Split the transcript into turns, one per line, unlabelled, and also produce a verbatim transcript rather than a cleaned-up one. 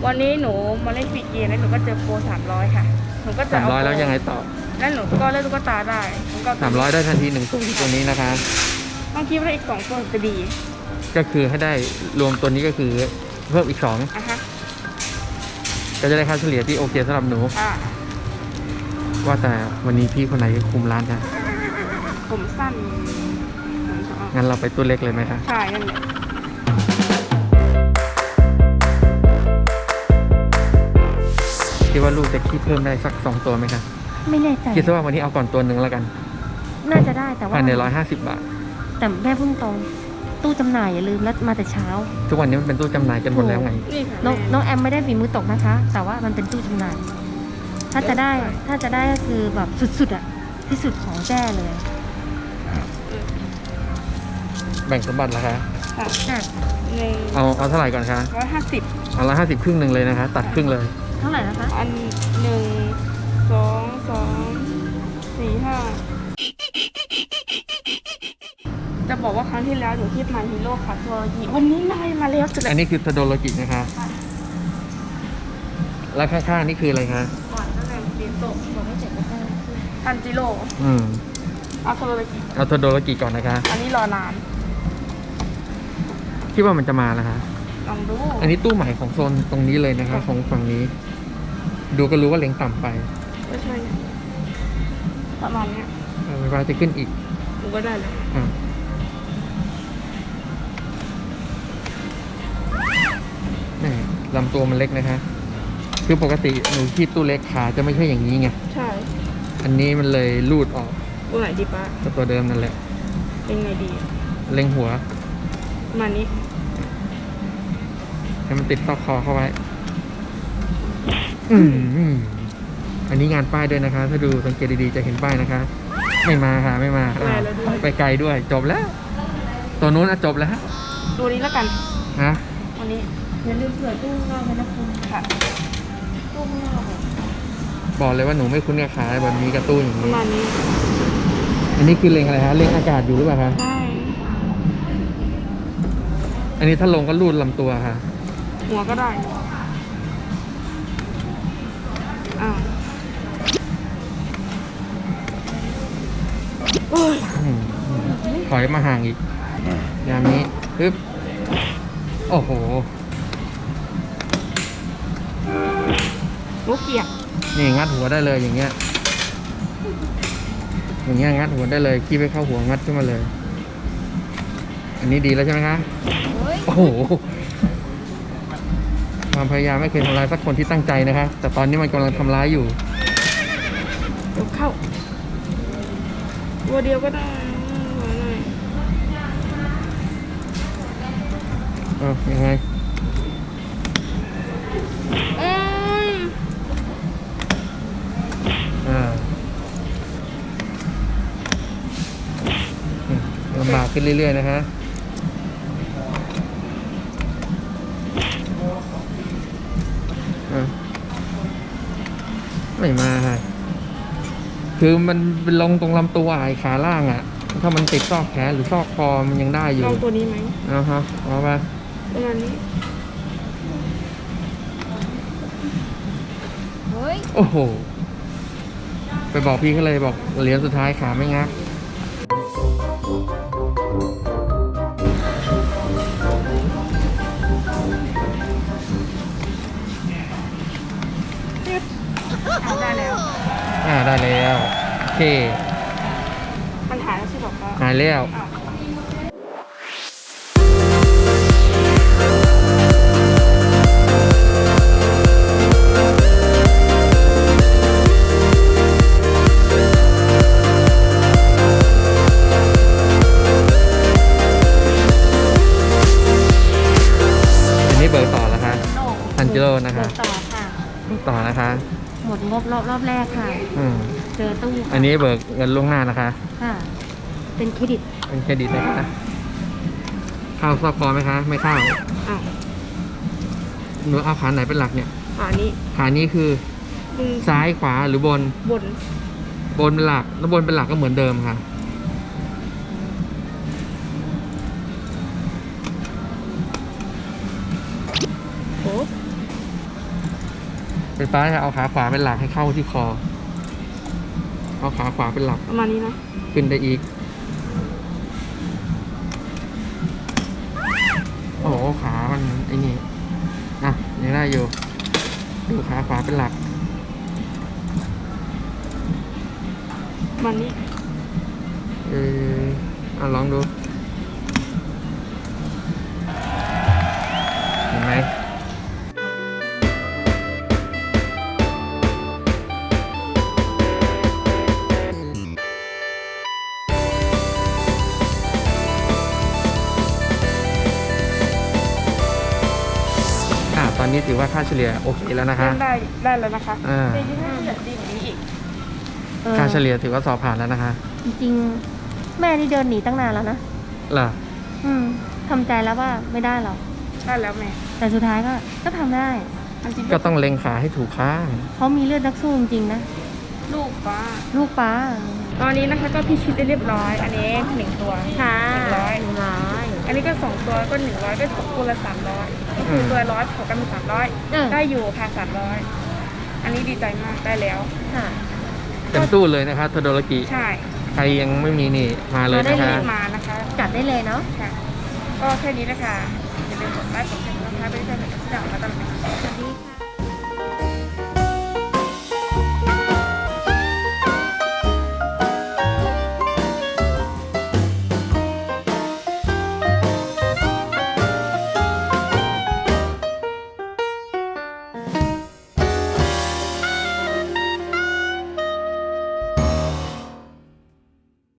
วันนี้หนูมาเล่นฟรีเกมแล้วหนูก็เจอโปรสามร้อยค่ะหนูก็จะ
สามร้อยแล้วยังไงต่อ
แล้วหนูก็เล่นตุ๊กตาได้ก็
สามร้อยได้ทันทีหนึ่งตัวตัวนี้นะคะ
ต้องคิดว่าอีกสองตัวจะดี
ก็คือให้ได้รวมตัวนี้ก็คือเพิ่มอีกสอง
อ่ะฮะ
ก็จะได้ค่าเฉลี่ยที่โอเคสำหรับหนู
อ่า
ว่าแต่วันนี้พี่คนไหนคุมร้านคะ
ผมสั้น
งั้นเราไปตัวเล็กเลยไหมคะ
ใช่นั่นแหละ
คิดว่าลูกจะคิดเพิ่มได้สักสองตัวไหมคะ
ไม่แน่ใจ
คิดซะว่าวันนี้เอาก่อนตัวหนึ่งแล้วกัน
น่าจะได้แต่ว่า
ภายในร้อยห้าสิบบาท
แต่แม่เพิ่งตรงตู้จำหน่ายอย่าลืมแล้วมาแต่เช้า
ทุกวันนี้มันเป็นตู้จำหน่ายกันหมดแล้วไง
นี่ค่ะ
น้องน้องแอมไม่ได้ฝีมือตกนะคะ แต่ว่ามันเป็นตู้จำหน่าย ถ้าจะได้ถ้าจะได้ก็คือแบบสุดๆอะที่สุดของแจ้เลย
แบ่งสมบัติละคะ
ค่ะ
อ่ะ
หนึ่ง
เอาเอาเท่าไหร่ก่อนคะ
ร้อยห้าสิบ
เอาละห้าสิบครึ่งหนึ่งเลยนะคะ ตัดครึ่งเลย
เท่าไหร่นะคะ
อันหนึ่งสองสามสี่ห้าจะบอกว่าครั้งที่แล้วหนูที่มาฮีโร่ค่ะทัวร์ยีวันนี้นายมาแล้วสุดเล
อั
ย
นนี้คือทโดโลกินะคะ แล้วข้างๆนี่คืออะไรคะ
ก่อนนั่นแหละเรียนโตะ
บอกไม่เสร็จก็ได้
ทันจิโร่
อืม
เอาโซโลไปกิ
เอาทโดโลกิก่อนนะคะ
อันนี้รอนาน
คิดว่ามันจะมานะคะ
ลองดู
อันนี้ตู้ใหม่ของโซนตรงนี้เลยนะคะ ของฝั่งนี้ ดูก็รู้ว่าเล็งต่ำไป
ไม่ใช่ประมาณเนี้ย
เออเวลาจะขึ้นอีก
หนูก็ได้เลย
อ่ะนี่ลำตัวมันเล็กนะคะ คือปกติหนูคีบตู้เล็กขาจะไม่ใช่อย่างนี้ไง
ใช่
อันนี้มันเลยลูดออก
ตัวไหนดีป้า
กับตัวเดิมนั่นแหละ
เป็นไงดี
เล็งหัว
ประมาณนี้
ให้มันติดซอกคอเข้าไว้ อืมอันนี้งานป้ายด้วยนะคะ ถ้าดูสังเกตดีๆจะเห็นป้ายนะคะ ไม่มาค่ะไม่มาอ่าไปไกลด้วย จบแล้ว ตัวนู้นอะจบแล้ว
ดูนี้แล้วกัน
ฮะ
วันนี้
อย่าลืมเผื่อตู้ข้างนอกนะคุณ
ค่ะ
ตู้ข้างนอกอะ
บอกเลยว่าหนูไม่คุ้นกับขาแบบนี้กระตู้อย่าง
ประ
นี้
มาณนี้
อันนี้คือเล็งอะไรฮะเล็งอากาศอยู่หรือเปล่าคะ
ใช่
อันนี้ถ้าลงก็ลูดลำตัวค่ะ
หัวก็ได้อ้าวโอ้ย
อืมถอยมาห่างอีกยามนี้ปึ๊บโอ้โห
ลูกเกียก
นี่งัดหัวได้เลยอย่างเงี้ย อย่างเงี้ยงัดหัวได้เลยขี้ไปเข้าหัวงัดขึ้นมาเลย อันนี้ดีแล้วใช่ไหมคะ
เฮ้ย
โอ้โห ความพยายามไม่เคยทำร้ายสักคนที่ตั้งใจนะคะ แต่ตอนนี้มันกำลังทำร้ายอยู่
เดี๋ยวเข้าตัวเดียวก็ได้หัวหน่อย
เออยังไง
โอ้ย
อ่าอืมลำบากขึ้นเรื่อยๆนะคะอ่ะไม่มาค่ะ คือมันเป็นลงตรงลำตัวไอ้ขาล่างอ่ะ ถ้ามันติดซอกแขนหรือซอกคอมันยังได้อยู่
ลองตัวนี้ไหม
เอาฮะเอาไป
ประมาณนี้
เฮ้ย
โอ้โห ไปบอกพี่เขาเลยบอกเหรียญสุดท้ายขาไม่งัก
เอาได้แล้ว
อ่าได้แล้วโอเค
มันหายแล้วใช่บอกว่า
หายแล้ว
อ้าว
อันนี้เบิกต่อแล้วคะ
โน่
ทันจิโร่นะคะ
เบิกต่อค่ะ
เบิกต่อนะคะ
หมดงบรอบรอบแรกค่ะ
อืม
เจอตู้ค่ะ
อันนี้เบิกเงินล่วงหน้านะคะ
ค่ะ เป็นเครดิต
เป็นเครดิตนะคะเข้าซอกคอไหมคะ ไม่เข้า
อ้าว
หนูเอาขาไหนเป็นหลักเนี่ย
ขานี้
ขานี้คือ
มึง
ซ้ายขวาหรือบน
บน
บนเป็นหลัก แล้วบนเป็นหลักก็เหมือนเดิมค่ะ
โอ้
เป็นฟ้าจะเอาขาขวาเป็นหลักให้เข้าที่คอเอาขาขวาเป็นหลัก
ประมาณนี้นะ
ขึ้นได้อีกโอ้โหขามันไอ้นี่อ่ะยังได้อยู่ดูขาขวาเป็นหลัก
ประมาณนี้
เอออ่ะลองดูเห็นไหมอ่ะตอนนี้ถือว่าค่าเฉลี่ยโอเคแล้วนะคะ
เล่นได้ได้แล้วนะคะ
อ่า
จริงๆถ้าเกิดดีกว่านี้อีก
เออ
ค่าเฉลี่ยถือว่าสอบผ่านแล้วนะคะ
จริงๆ แม่นี่เดินหนีตั้งนานแล้วนะ
เหรอ
อืมทำใจแล้วว่าไม่ได้หรอก
ได้แล้วแม่
แต่สุดท้ายก็ก็ทำได้
อันจริง
ก็ต้องเล็งขาให้ถูกข้าง
เขามีเลือดนักสู้จริงๆนะ
ลูกป้า
ลูกป้า
ตอนนี้นะคะก็พิชิตได้เรียบร้อย อันนี้หนึ่งตัว
ค่ะ
หนึ่งร้อย
หนึ่งร้อย
อันนี้ก็สองตัวก็หนึ่งร้อยก็ตกตัวละสามร้อยก็คือตัวร้อยถกกันเป็นสามร้อย
เออ
ได้อยู่ค่ะสามร้อยอันนี้ดีใจมากได้แล้ว
ค่ะ
เต็มตู้เลยนะคะโทโดรากิ
ใช่
ใครยังไม่มีนี่มาเลย
มาได้
นะ
เล
คะ
ย
มานะคะ
จัดได้เลยเนาะ
ค่ะ ก็แค่นี้นะคะอย่าลืมกดไลค์กดแชร์นะคะไปด้วยกันกับที่ดังมาตลอด
สวัสดีค่ะ